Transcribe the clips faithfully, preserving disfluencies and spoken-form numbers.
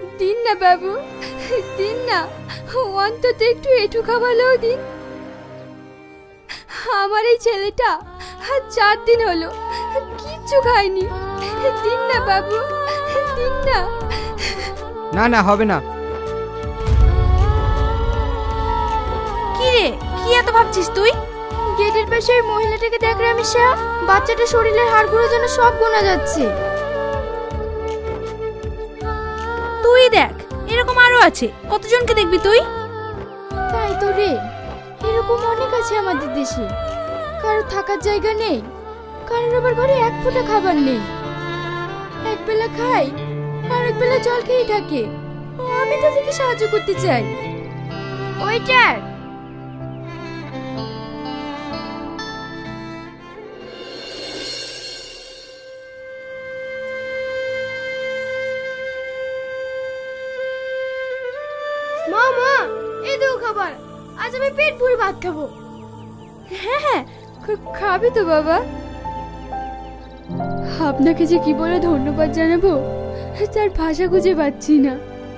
দিন না বাবু, দিন না, অন্তত একটু এটু খাওয়ালেও দিন। আমার এই ছেলেটা চার দিন হলো কিচ্ছু খায়নি। দিন না বাবু, দিন না। না না, হবে না। কি রে, কি এত ভাবছিস তুই? গেটের পাশে ওই মহিলাটাকে দেখ রামিসা, বাচ্চাটা শরীরের হাড়গুলো যেন সব গোনা যাচ্ছে। তুই দেখ, এরকম আরো আছে, কতজনকে দেখবি তুই? তাই তো রে, এরকম অনেক আছে আমাদের দেশে। কারোর থাকার জায়গা নেই, কারোর আবার ঘরে এক ফোঁটা খাবার নেই। এক বেলা খাই আর এক বেলা জল খেয়ে থাকে। আমি তাদেরকে সাহায্য করতে চাই। ওইটার মা, মা, এই দাও খাবার। আজ আমি পেট ভরে ভাত খাবো। হ্যাঁ হ্যাঁ, খাবি তো বাবা? আপনাকে যে কি বলে ধন্যবাদ জানাবো তার ভাষা খুঁজে পাচ্ছি না।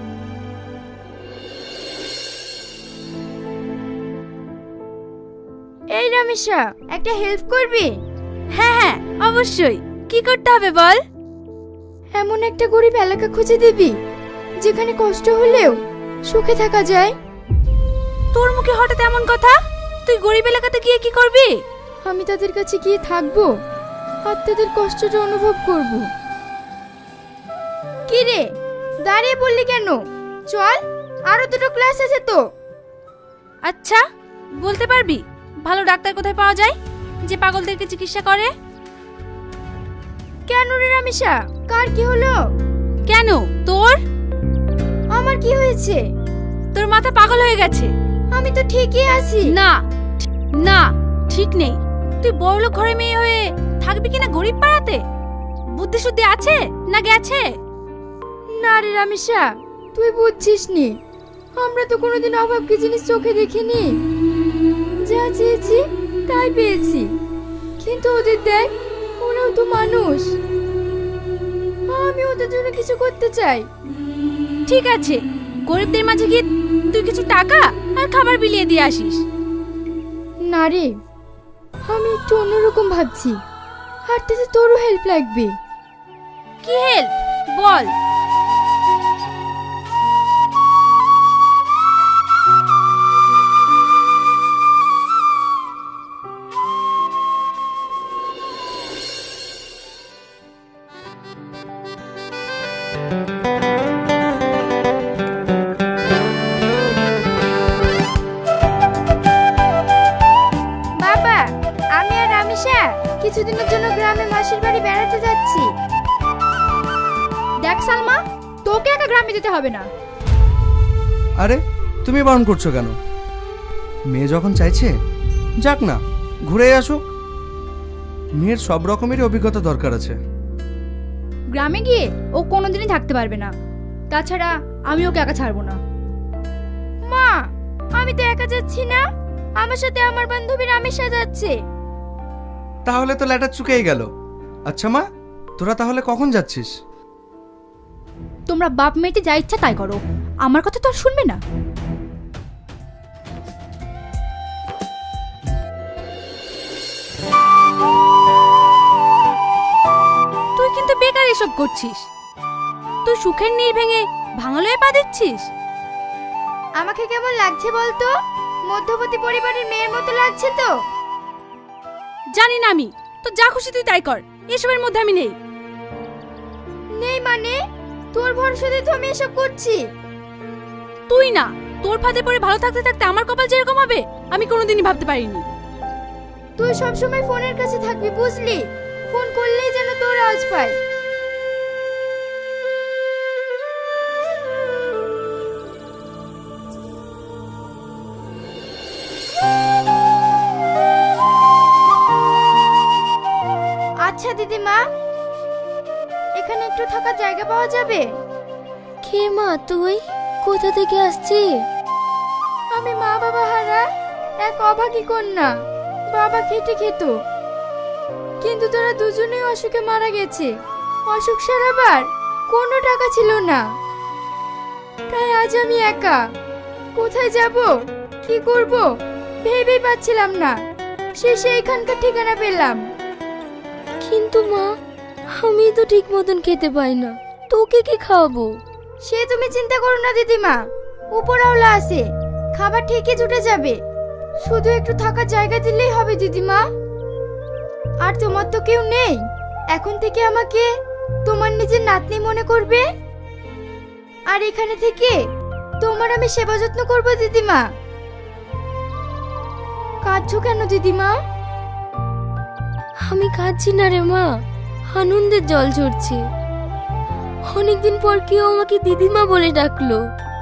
এই রামিসা, একটা হেল্প করবি? হ্যাঁ হ্যাঁ, অবশ্যই। কি করতে হবে বল? এমন একটা গরিব এলাকা খুঁজে দিবি যেখানে কষ্ট হলেও সুখে থাকা যায়। তোর মুখে হঠাৎ এমন কথা? তুই গরিব এলাকাতে গিয়ে কি করবি? আমি তাদের কাছে গিয়ে থাকবো আর তাদের কষ্টটা অনুভব করব। কি রে, দাঁড়িয়ে পড়লি কেন? চল, আরো দুটো ক্লাস আছে তো। আচ্ছা, বলতে পারবি ভালো ডাক্তার কোথায় পাওয়া যায় যে পাগলদেরকে চিকিৎসা করে? কেন রে রামিসা, কার কি হলো? কেন তোর? আমার কি হয়েছে? তোর মাথা পাগল হয়ে গেছে। আমি তো ঠিকই আছি। না না, ঠিক নেই। তুই বড়লোক ঘরে মেয়ে হয়ে থাকবি কিনা গরিব পাড়াতে? বুদ্ধি শুদ্ধি আছে না গেছে? না রে রামিসা, তুই বুঝছিস নি। আমরা তো কোনোদিন অভাব কি জিনিস চোখে দেখিনি। যা চেয়েছি তাই পেয়েছি। কিন্তু ওদের দেখ, ওরাও তো মানুষ। আমি ওদের জন্য কিছু করতে চাই। ঠিক আছে, গরিবদের মাঝে গিয়ে তুই কিছু টাকা আর খাবার বিলিয়ে দিয়ে আসিস। না রে, আমি একটু অন্যরকম ভাবছি। আর তাতে তোরও হেল্প লাগবে। কি হেল্প বল? বাবা, আমি আর রামিসা কিছুদিনের জন্য গ্রামে মাসির বাড়ি বেড়াতে যাচ্ছি। দেখ সালমা, তোকে একা গ্রামে যেতে হবে না। আরে তুমি বারণ করছো কেন? মেয়ে যখন চাইছে যাক না, ঘুরে আসুক। মেয়ের সব রকমেরই অভিজ্ঞতা দরকার আছে। গ্রামে গিয়ে ও কোনোদিনই থাকতে পারবে না। তাছাড়া আমি ওকে একা ছাড়বো না। মা, আমি তো একা যাচ্ছি না, আমার সাথে আমার বান্ধবী রামিসা যাচ্ছে। তাহলে তো ল্যাটার চুকেই গেল। আচ্ছা মা, তোরা তাহলে কখন যাচ্ছিস? তোমরা বাপ মেয়েতে যা ইচ্ছা তাই করো, আমার কথা তো আর শুনবে না। তুই কিন্তু বেকার এসব করছিস। তুই সুখের নীড় ভেঙে ভাঙালয়ে পা দিচ্ছিস। আমাকে কেমন লাগছে বলতো? মধ্যবর্তী পরিবারের মেয়ের মতো লাগছে তো? জানি না আমি, তো যা খুশি তুই তাই কর, এসবের মধ্যে আমি নেই। নেই মানে? তোর ভরসাতে তো আমি এসব করছি। তুই না, তোর ফাঁদে পড়ে ভালো থাকতে থাকতে আমার কপাল যেরকম হবে আমি কোনোদিনই ভাবতে পারিনি। তুই সবসময় ফোনের কাছে থাকবি, বুঝলি? ফোন করলেই যেন তোর আওয়াজ পাই। আচ্ছা দিদিমা, এখানে একটু থাকার জায়গা পাওয়া যাবে? কে মা তুই? কোথা থেকে আসছিস? আমি মা বাবা হারা এক অভাগী কন্যা। বাবা খেটে খেত, কিন্তু তারা দুজনেই অসুখে মারা গেছে। অসুখ সারাবার কোনো টাকা ছিল না। তাই আজ আমি একা। কোথায় যাব, কি করব ভেবেই পাচ্ছিলাম না। শেষে এখানকার ঠিকানা পেলাম। কিন্তু মা, আমি তো ঠিক মতন খেতে পাই না, তোকে কি খাওয়াবো? সে তুমি চিন্তা করো না দিদিমা, উপরওয়ালা আছে, খাবার ঠিকই জুটে যাবে। শুধু একটু থাকার জায়গা দিলেই হবে দিদিমা। আর তোমার তো কেউ নেই, এখন থেকে আমাকে তোমার নিজের নাতনি মনে করবে। আর এখানে থেকে তোমার আমি সেবা যত্ন করবো দিদিমা। কাঁদছো কেন দিদিমা? আমি কাঁদছি না রে মা, আনন্দের জল ঝরছে। অনেকদিন পর কেউ আমাকে দিদিমা বলে ডাকলো।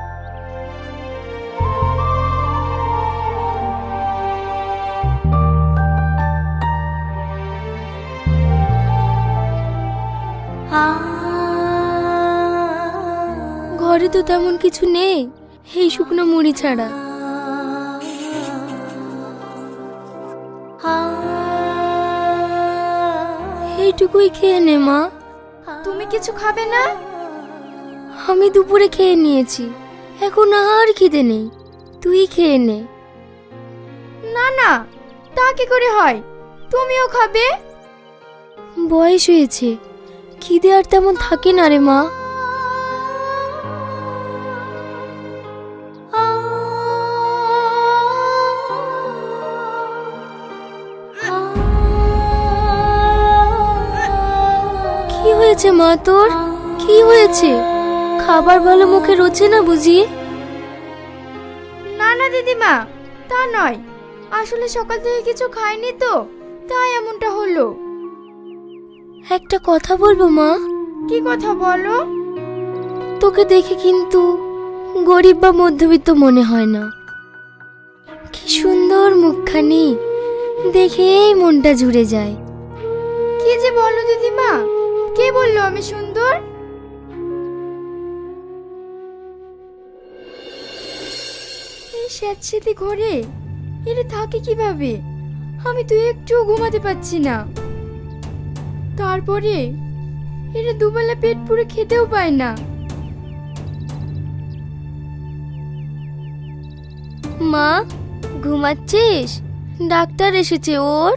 ঘরে তো তেমন কিছু নেই, এই শুকনো মুড়ি ছাড়া। এইটুকুই খেয়ে নে মা। তুমি কিছু খাবে না? আমি দুপুরে খেয়ে নিয়েছি, এখন আর খিদে নেই, তুই খেয়ে নে। না না, তা কি করে হয়? তুমিও খাবে? বয়স হয়েছে, খিদে আর তেমন থাকে না রে মা। কি হয়েছে মা তোর? কি হয়েছে? খাবার ভালো মুখে রোচে না বুঝি? না না দিদিমা, তা নয়। আসলে সকাল থেকে কিছু খাইনি তো, তাই এমনটা হলো। একটা কথা বলবো মা? কি কথা বলো? তোকে দেখে কিন্তু গরিব বা মধ্যবিত্ত মনে হয় না। কি সুন্দর মুখখানি, দেখেই মনটা জুড়ে যায়। কি যে বলো দিদিমা, কে বললো আমি সুন্দর? এই স্যাঁতস্যাঁতে ঘরে এরা থাকে কিভাবে? আমি তো একটু ঘুমাতে পারছি না। তারপরে এরা দুবেলা পেট পুরে খেতেও পায় না। মা, ঘুমাচ্ছিস? ডাক্তার এসেছে ওর।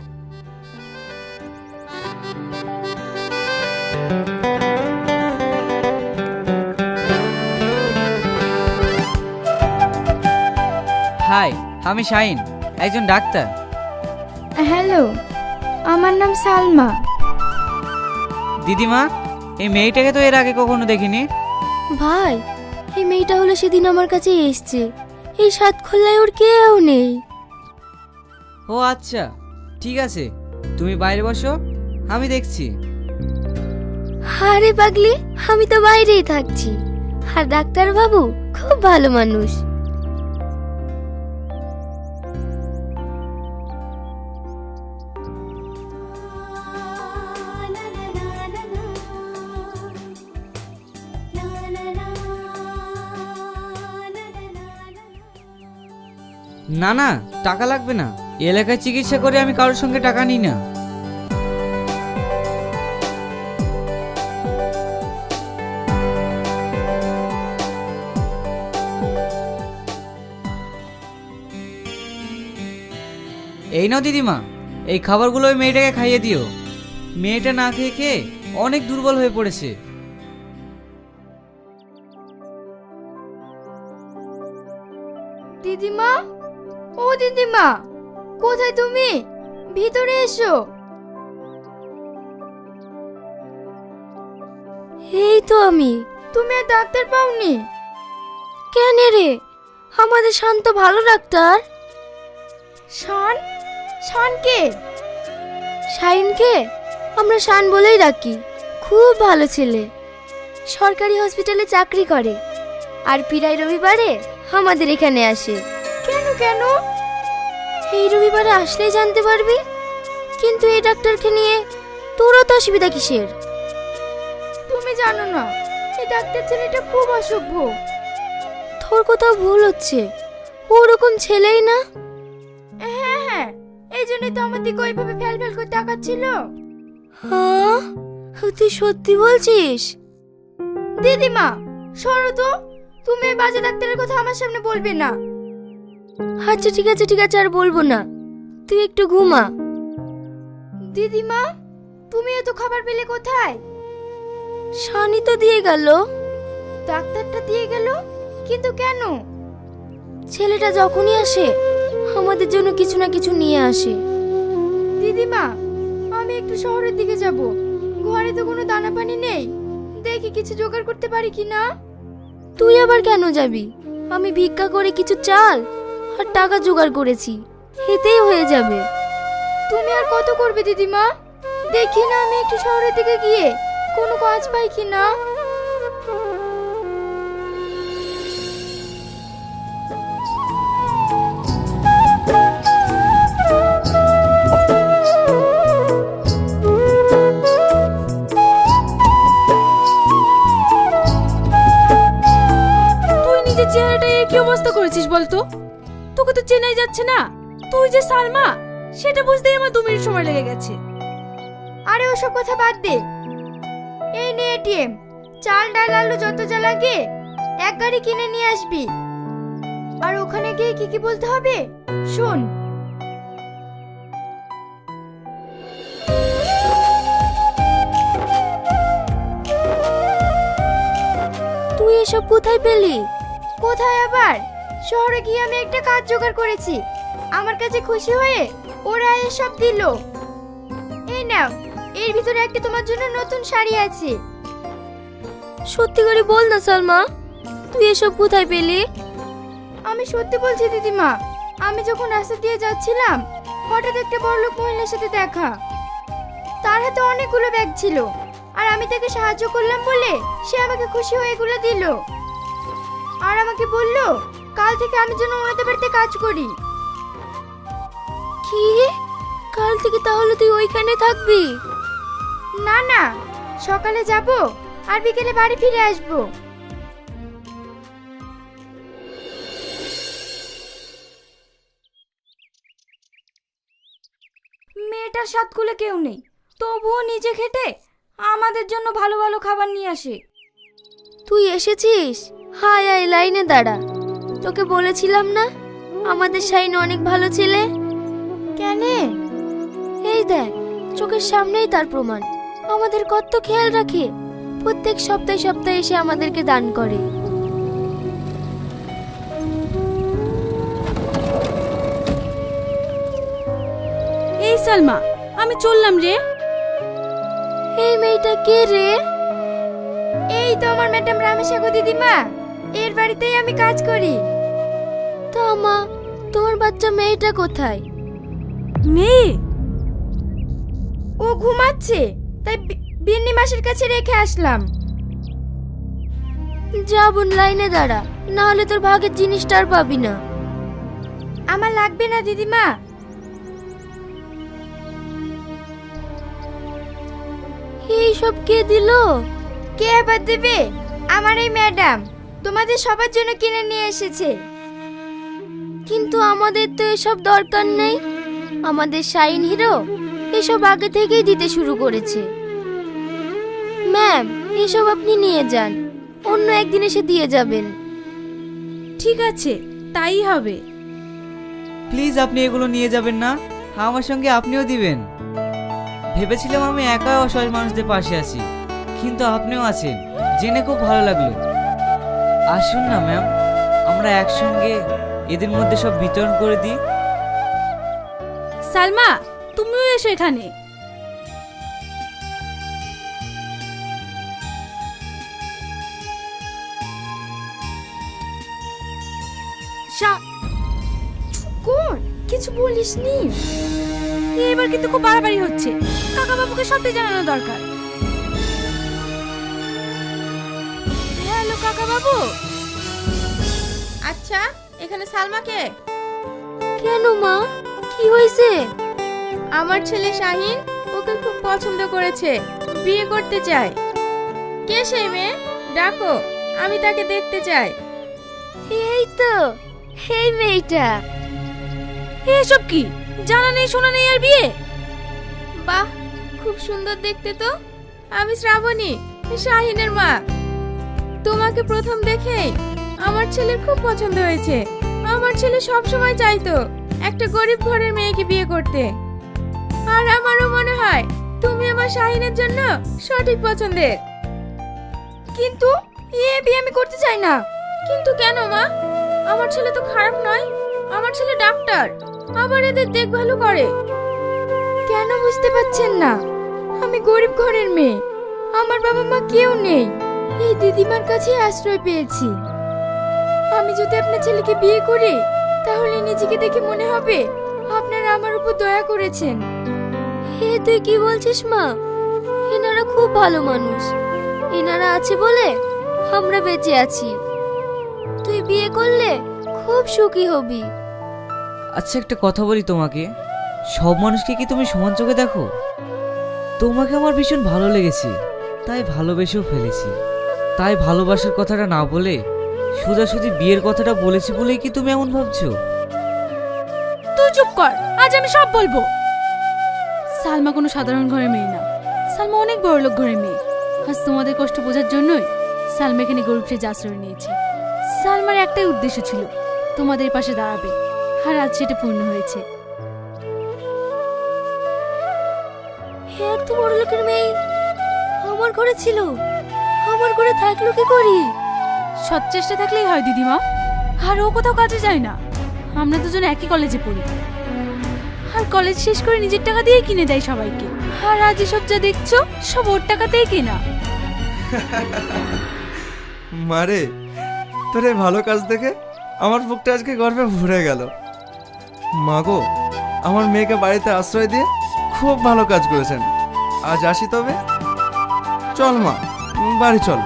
হাই, আমি শাহিন, একজন ডাক্তার। হ্যালো, আমার নাম সালমা। দিদিমা, এই মেয়েটাকে তো এর আগে কখনো দেখিনি। ভাই, এই মেয়েটা হলো সেদিন আমার কাছে এসছে। এই সাত খোল্লায় ওর কেউ নেই। ও আচ্ছা, ঠিক আছে, তুমি বাইরে বসো, আমি দেখছি। আরে পাগলি, আমি তো বাইরেই থাকছি। আর ডাক্তার বাবু খুব ভালো মানুষ। না না, টাকা লাগবে না। এলাকায় চিকিৎসা করে আমি কারোর সঙ্গে টাকা নিই না। এই নাও দিদিমা, এই খাবারগুলো ওই মেয়েটাকে খাইয়ে দিও। মেয়েটা না খেয়ে খেয়ে অনেক দুর্বল হয়ে পড়েছে। দিদিমা, ও দিদিমা, কোথায় তুমি? ভিতরে এসো। এই তো আমি। তুমি আর ডাক্তার পাওনি? কেন রে? আমাদের শান্ত ভালো ডাক্তার। শান? শান কে? শাইনকে আমরা শান বলেই ডাকি। খুব ভালো ছেলে, সরকারি হসপিটালে চাকরি করে, আর প্রায় রবিবারে আমাদের এখানে আসে। কেন কেন? এই রবিবারে আসলেই জানতে পারবি। কিন্তু এই ডাক্তারকে নিয়ে তোরও তো অসুবিধা কিসের? তুমি জানো না, এই ডাক্তার ছেলেটা খুব অসভ্য। তোর কোথাও ভুল হচ্ছে, ওরকম ছেলেই না। হ্যাঁ হ্যাঁ, এই জন্যই তো আমার দিকে ওইভাবে ফেল ফেল করে তাকাচ্ছিল। হ্যাঁ, তুই সত্যি বলছিস? দিদিমা সরো তো, তুমি এই বাজে ডাক্তারের কথা আমার সামনে বলবে না। আচ্ছা ঠিক আছে ঠিক আছে, আর বলবো না, তুই একটু ঘুমা। দিদিমা, তুমি এত খাবার পেলে কোথায়? শানি তো দিয়ে গেল। ডাক্তারটা দিয়ে গেল, কিন্তু কেন? ছেলেটা যখনই আসে আমাদের জন্য কিছু না কিছু নিয়ে আসে। দিদিমা, আমি একটু শহরের দিকে যাব, ঘরে তো কোনো দানা পানি নেই, দেখি কিছু জোগাড় করতে পারি কি না। তুই আবার কেন যাবি? আমি ভিক্ষা করে কিছু চাল আর টাকা জোগাড় করেছি, এতেই হয়ে যাবে। তুমি আর কত করবে দিদিমা? দেখি না আমি একটু শহরের দিকে গিয়ে কোনো কাজ পাই কি না। তুই নিজের চেহারাটা এর কি অবস্থা করেছিস বলতো? তোকে তো চেনাই যাচ্ছে না। তুই যে সালমা সেটা বুঝতেই আমার দু মিনিট সময় লেগে গেছে। আরে ওসব কথা বাদ দে, এই নে এটিএম, চাল ডাল আলু যত যা লাগে এক গাড়ি কিনে নিয়ে আসবি। আর ওখানে গিয়ে কি কি বলতে হবে শোন। তুই এসব কোথায় পেলি? কোথায় আবার, শহরে গিয়ে আমি একটা কাজ জোগাড় করেছি, আমার কাছে খুশি হয়ে ওরা এসব দিল। এই নাও, এর ভিতরে একটা তোমার জন্য নতুন শাড়ি আছে। সত্যি করে বল না সালমা, তুই এসব কোথায় পেলি? আমি সত্যি বলছি দিদিমা, আমি যখন রাস্তা দিয়ে যাচ্ছিলাম হঠাৎ একটা বড়লোক মহিলার সাথে দেখা। তার হাতে অনেকগুলো ব্যাগ ছিল, আর আমি তাকে সাহায্য করলাম বলে সে আমাকে খুশি হয়ে এগুলো দিল। আর আমাকে বলল কাল থেকে আমি যেন ওনাদের বাড়িতে কাজ করি। কি, কাল থেকে তাহলে তুই ওইখানে থাকবি? না না, সকালে যাব আর বিকেলে বাড়ি ফিরে আসব। মেয়েটার সাত কুলে কেউ নেই, তবুও নিজে খেটে আমাদের জন্য ভালো ভালো খাবার নিয়ে আসে। তুই এসেছিস? হায় আয়, লাইনে দাঁড়া। তোকে বলেছিলাম না আমাদের শাইন অনেক ভালো ছেলে। কেন? এই দেখ, চোখের সামনেই তার প্রমাণ। আমাদের কত খেয়াল রাখে, প্রত্যেক সপ্তাহে সপ্তাহে এসে আমাদেরকে দান করে। এই সালমা, আমি চললাম রে। এই মেয়েটা কে রে? এই তো আমার ম্যাডাম রামেশাগো দিদিমা, এর বাড়িতেই আমি কাজ করি। তা মা, তোমার বাচ্চা মেয়েটা কোথায়? মেয়ে? ও ঘুমাচ্ছে, তাই বি- বিন্নি মাসের কাছে রেখে আসলাম। যা বোন, লাইনে দাঁড়া, না হলে তোর ভাগের জিনিসটা আর পাবি না। আমার লাগবে না দিদিমা। এই সব কে দিল? কে আবার দেবে? আমার এই ম্যাডাম তোমাদের সবার জন্য কিনে নিয়ে এসেছে। কিন্তু আমাদের তো এসব দরকার নেই। আমাদের শাইন হিরো এসব আগে থেকেই দিতে শুরু করেছে। ম্যাম, এসব আপনি নিয়ে যান, অন্য একদিন এসে দিয়ে যাবেন। ঠিক আছে, তাই হবে। প্লিজ আপনি এগুলো নিয়ে যাবেন না, আমার সঙ্গে আপনিও দিবেন। ভেবেছিলাম আমি একা অসহায় মানুষদের পাশে আছি, কিন্তু আপনিও আছেন জেনে খুব ভালো লাগলো। আসুন না ম্যাম, আমরা একসঙ্গে এদের মধ্যে সব বিতরণ করে দিই। সালমা, তুমিও এসো এখানে। চুপ কর, কিছু বলিসনি। এবার কিন্তু খুব বাড়াবাড়ি হচ্ছে, কাকা বাবুকে সত্যি জানানো দরকার। হ্যালো কাকা বাবু। আচ্ছা, এখানে সালমাকে? কেন মা, কি হয়েছে? আমার ছেলে শাহিন ওকে খুব পছন্দ করেছে, বিয়ে করতে চায়। কে সেই মেয়ে? ডাকো, আমি তাকে দেখতে চাই। এই তো, এই মেয়েটা। এসব কি, জানা নেই শোনা নেই আর বিয়ে? বাহ, খুব সুন্দর দেখতে তো। আমি শ্রাবণী, শাহিনের মা। তোমাকে প্রথম দেখেই আমার ছেলের খুব পছন্দ হয়েছে। আমার ছেলে সব সময় চাইতো একটা গরিব ঘরের মেয়েকে বিয়ে করতে। আর আমারও মনে হয় তুমি আমার শাহিনের জন্য সঠিক পছন্দের। কিন্তু এ বিয়ে আমি করতে চাই না। কিন্তু কেন মা? আমার ছেলে তো খারাপ নয়, আমার ছেলে ডাক্তার, আবার এদের দেখভালও করে। কেন বুঝতে পারছেন না? আমি গরিব ঘরের মেয়ে, আমার বাবা মা কেউ নেই, এই দিদিমার কাছে আশ্রয় পেয়েছি। আমি যদি আপনার ছেলেকে বিয়ে করি তাহলে নিজেকে দেখে মনে হবে আপনারা আমার উপর দয়া করেছেন। হে তুই কি বলছিস মা? এনারা খুব ভালো মানুষ, এনারা আছে বলে আমরা বেঁচে আছি। তুই বিয়ে করলে খুব সুখী হবি। আচ্ছা একটা কথা বলি তোমাকে, সব মানুষকে কি তুমি সমান চোখে দেখো? তোমাকে আমার ভীষণ ভালো লেগেছে, তাই ভালোবেসেও ফেলেছি। তাই ভালোবাসার কথাটা না বলে সোজাসুজি বিয়ের কথাটা বলেছি বলেই কি তুমি এমন ভাবছো? তুই চুপ কর, আজ আমি সব বলবো। সালমা কোনো সাধারণ ঘরের মেয়ে না, সালমা অনেক বড়লোক ঘরের মেয়ে। আজ তোমাদের কষ্ট বোঝার জন্যই সালমা এখানে গরিব সেজে আশ্রয় নিয়েছে। সালমার একটাই উদ্দেশ্য ছিল তোমাদের পাশে দাঁড়াবে, আর আজ সেটা পূর্ণ হয়েছে। হে এত বড় লোকের মেয়ে আমার ঘরে ছিল, আমার ঘরে থাকলো কি করি? সৎ চেষ্টা থাকলেই হয় দিদিমা। আর ও কোথাও কাজে যায় না, আমরা দুজন একই কলেজে পড়ি। আর কলেজ শেষ করে নিজের টাকা দিয়ে কিনে দেয় সবাইকে। আর আজ এসব যা দেখছো সব ওর টাকাতেই কেনা। মারে, তোর এই ভালো কাজ দেখে আমার বুকটা আজকে গর্বে ভরে গেল। মাগো, আমার মেয়েকে বাড়িতে আশ্রয় দিয়ে খুব ভালো কাজ করেছেন। আজ আসি তবে। চল মা, বাড়ি চল।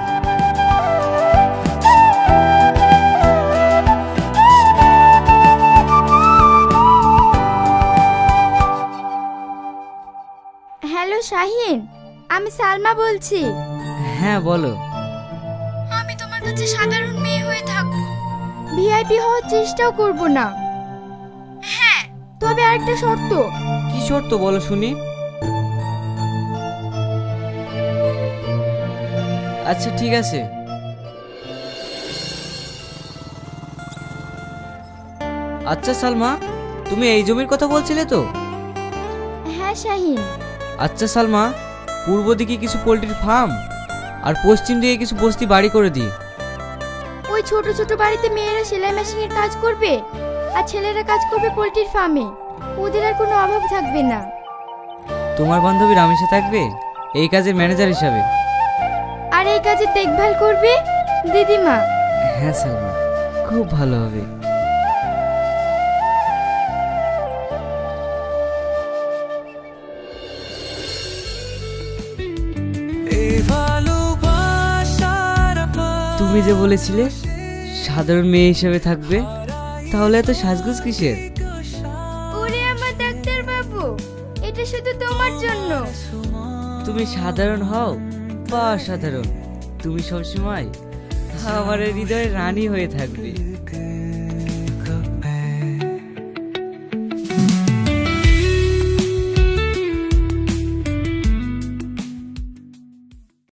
হ্যালো শাহিন, আমি সালমা বলছি। হ্যাঁ বলো। আমি তোমার কাছে সাধারণ মেয়ে হয়ে থাকবো, ভিআইপি হওয়ার চেষ্টাও করব না। হ্যাঁ, তবে আরেকটা শর্ত। কি শর্ত বলো শুনি? আচ্ছা ঠিক আছে। আচ্ছা সালমা, তুমি এই জমির কথা বলছিলে তো? হ্যাঁ শাহিন। আচ্ছা সালমা, পূর্ব দিকে কিছু পোল্ট্রির ফার্ম আর পশ্চিম দিকে কিছু বস্তি বাড়ি করে দিই। ওই ছোট ছোট বাড়িতে মেয়েরা সেলাই মেশিনের কাজ করবে আর ছেলেরা কাজ করবে পোল্ট্রির ফার্মে। ওদের আর কোনো অভাব থাকবে না। তোমার বান্ধবী রামেশা থাকবে এই কাজের ম্যানেজার হিসাবে। আর এই কাজে দেখভাল করবে দিদিমা। হ্যাঁ সালমা, খুব ভালো হবে। তুমি যে বলেছিলে সাধারণ মেয়ে হিসেবে থাকবে, তাহলে এত সাজগোজ কিসের? ওরে আমার ডাক্তার বাবু, এটা শুধু তোমার জন্য। তুমি সাধারণ হও বা অসাধারণ, তুমি সবসময় আমার হৃদয়ে রানী হয়ে থাকবে।